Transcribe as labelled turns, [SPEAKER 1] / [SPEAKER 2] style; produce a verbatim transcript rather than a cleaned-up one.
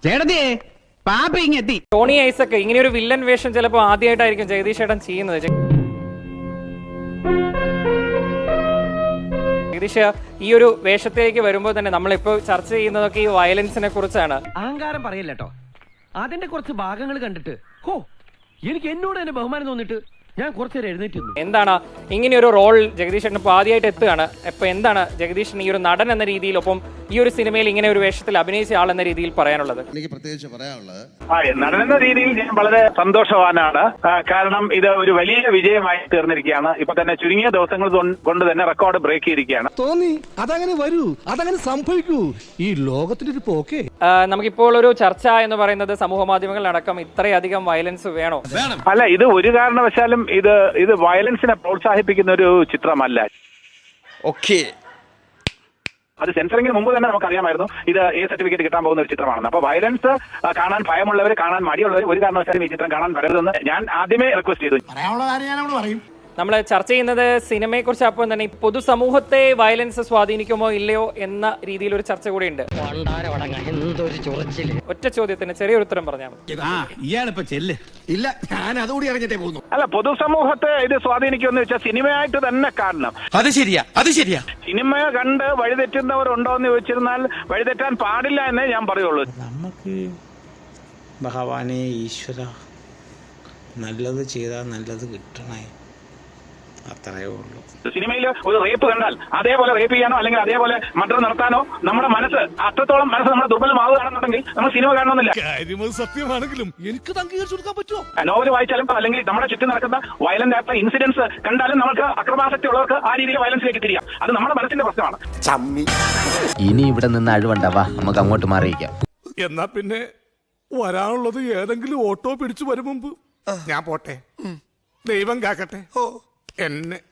[SPEAKER 1] ചേട്ടത്തിയേ പാപ്പ ഇങ്ങെത്തി.
[SPEAKER 2] ടോണി ഐസക് ഇങ്ങനെ ഒരു വില്ലൻ വേഷം ചിലപ്പോൾ ആദ്യമായിട്ടായിരിക്കും ജഗദീഷ് ചേട്ടൻ ചെയ്യുന്നത്. ജഗദീഷ് ഈ ഒരു വേഷത്തിലേക്ക് വരുമ്പോൾ തന്നെ നമ്മളിപ്പോൾ ചർച്ച ചെയ്യുന്നതൊക്കെ ഈ വയലൻസിനെ കുറിച്ചാണ്.
[SPEAKER 3] അഹങ്കാരം പറയല്ലോ, അതിന്റെ കുറച്ച് ഭാഗങ്ങൾ കണ്ടിട്ട് ഹോ എനിക്ക് എന്നോട് തന്നെ ബഹുമാനം തോന്നിട്ട് ഞാൻ കുറച്ചേരം എഴുന്നേറ്റ്.
[SPEAKER 2] എന്താണ് ഇങ്ങനെ ഒരു റോൾ ജഗദീഷ് ചേട്ടൻ ഇപ്പോൾ ആദ്യമായിട്ട് എത്തുകയാണ്. ഇപ്പൊ എന്താണ് ജഗദീഷിന് ഈ ഒരു നടൻ എന്ന രീതിയിൽ, ഒപ്പം ഈ ഒരു സിനിമയിൽ ഇങ്ങനെ ഒരു വേഷത്തിൽ അഭിനയിച്ച ആൾ എന്ന രീതിയിൽ പറയാനുള്ളത്?
[SPEAKER 4] എനിക്ക് പ്രത്യേകിച്ച് പറയാനുള്ളത്,
[SPEAKER 5] നടൻ എന്ന രീതിയിൽ ഞാൻ വളരെ സന്തോഷവാനാണ്. കാരണം ഇത് ഒരു വലിയ വിജയമായി തീർന്നിരിക്കുകയാണ്. ഇപ്പൊ തന്നെ ചുരുങ്ങിയ ദിവസങ്ങൾ കൊണ്ട് തന്നെ റെക്കോർഡ് ബ്രേക്ക് ചെയ്തിരിക്കുകയാണ്.
[SPEAKER 6] തോന്നി അതങ്ങനെ വരൂ, അതങ്ങനെ സംഭവിക്കൂ, ഈ ലോകത്തിന്റെ ഒരു പോക്കേ.
[SPEAKER 2] നമുക്കിപ്പോൾ ഒരു ചർച്ച എന്ന് പറയുന്നത് സമൂഹ മാധ്യമങ്ങളിലടക്കം ഇത്രയധികം വയലൻസ് വേണോ?
[SPEAKER 5] അല്ല, ഇത് ഒരു കാരണവശാലും ഇത് ഇത് വയലൻസിനെ പ്രോത്സാഹിപ്പിക്കുന്ന ഒരു ചിത്രമല്ല.
[SPEAKER 7] ഓക്കേ,
[SPEAKER 5] അത് സെൻസറിങ്ങിന് മുമ്പ് തന്നെ നമുക്കറിയാമായിരുന്നു ഇത് എ സർട്ടിഫിക്കറ്റ് കിട്ടാൻ പോകുന്ന ഒരു ചിത്രമാണെന്ന്. അപ്പൊ വയലൻസ് കാണാൻ ഭയമുള്ളവർ, കാണാൻ മടിയുള്ളവർ ഒരു കാരണവശാലും ഈ ചിത്രം കാണാൻ വരരുതെന്ന് ഞാൻ ആദ്യമേ റിക്വസ്റ്റ് ചെയ്തു.
[SPEAKER 4] പറയാനുള്ള കാര്യം ഞാൻ അവിടെ പറയും.
[SPEAKER 2] നമ്മൾ ചർച്ച ചെയ്യുന്നത് സിനിമയെ കുറിച്ച്. അപ്പോൾ തന്നെ പൊതുസമൂഹത്തെ വയലൻസ് സ്വാധീനിക്കുമോ ഇല്ലയോ എന്ന രീതിയിൽ ഒരു ചർച്ച കൂടി ഉണ്ട്. ഒറ്റ ചോദ്യത്തിന് ചെറിയൊരു ഉത്തരം പറഞ്ഞാൽ മതി.
[SPEAKER 1] ഇയാളിപ്പോ ചെല്ല്.
[SPEAKER 6] ഇല്ല, ഞാൻ അതുകൂടി അറിഞ്ഞിട്ടേ പോകുന്നു.
[SPEAKER 5] അല്ല, പൊതുസമൂഹത്തെ ഇത് സ്വാധീനിക്കുമെന്ന് വെച്ചാൽ സിനിമയായിട്ട് തന്നെ കാണണം.
[SPEAKER 7] അത് ശരിയാ, അത് ശരിയാ.
[SPEAKER 5] സിനിമ കണ്ട് വഴിതെറ്റുന്നവരുണ്ടോ എന്ന് ചോദിച്ചിരുന്നാൽ വഴിതെറ്റാൻ പാടില്ല എന്നേ ഞാൻ പറയുള്ളൂ.
[SPEAKER 8] നമുക്ക് ഭഗവാനെ ഈശ്വര നല്ലത് ചെയ്താൽ നല്ലത് കിട്ടണേ, അത്രയേ ഉള്ളൂ.
[SPEAKER 5] സിനിമയിൽ ഒരു റേപ്പ് കണ്ടാൽ അതേപോലെ റേപ്പ് ചെയ്യാനോ അല്ലെങ്കിൽ അതേപോലെ മർഡർ നടത്താനോ നമ്മുടെ മനസ്സ് അത്രത്തോളം മനസ്സ് നമ്മുടെ ദുർബലമാവുകയാണെന്നുണ്ടെങ്കിൽ നമ്മൾ സിനിമ കാണണമെന്നില്ല.
[SPEAKER 6] സത്യമാണെങ്കിലും എനിക്ക് അംഗീകരിച്ചു കൊടുക്കാൻ പറ്റുമോ?
[SPEAKER 5] നോവൽ വായിച്ചാലും അല്ലെങ്കിൽ നമ്മുടെ ചുറ്റും നടക്കുന്ന വയലന്റ് ആയിട്ടുള്ള ഇൻസിഡൻസ് കണ്ടാലും നമുക്ക് അക്രമാസക്തി ഉള്ളവർക്ക് ആ രീതിയിൽ വയലൻസിലേക്ക് തിരിയാം. അത് നമ്മുടെ മനസ്സിന്റെ പ്രശ്നമാണ്.
[SPEAKER 9] ഇനി ഇവിടെ നിന്ന് അഴിവണ്ടാവാ, നമുക്ക് അങ്ങോട്ട് മാറിയിക്കാം.
[SPEAKER 6] എന്നാ പിന്നെ വരാനുള്ളത് ഏതെങ്കിലും ഓട്ടോ പിടിച്ചു വരും മുമ്പ് ഞാൻ പോട്ടെ. ദൈവം കാക്കട്ടെ എന്നെ.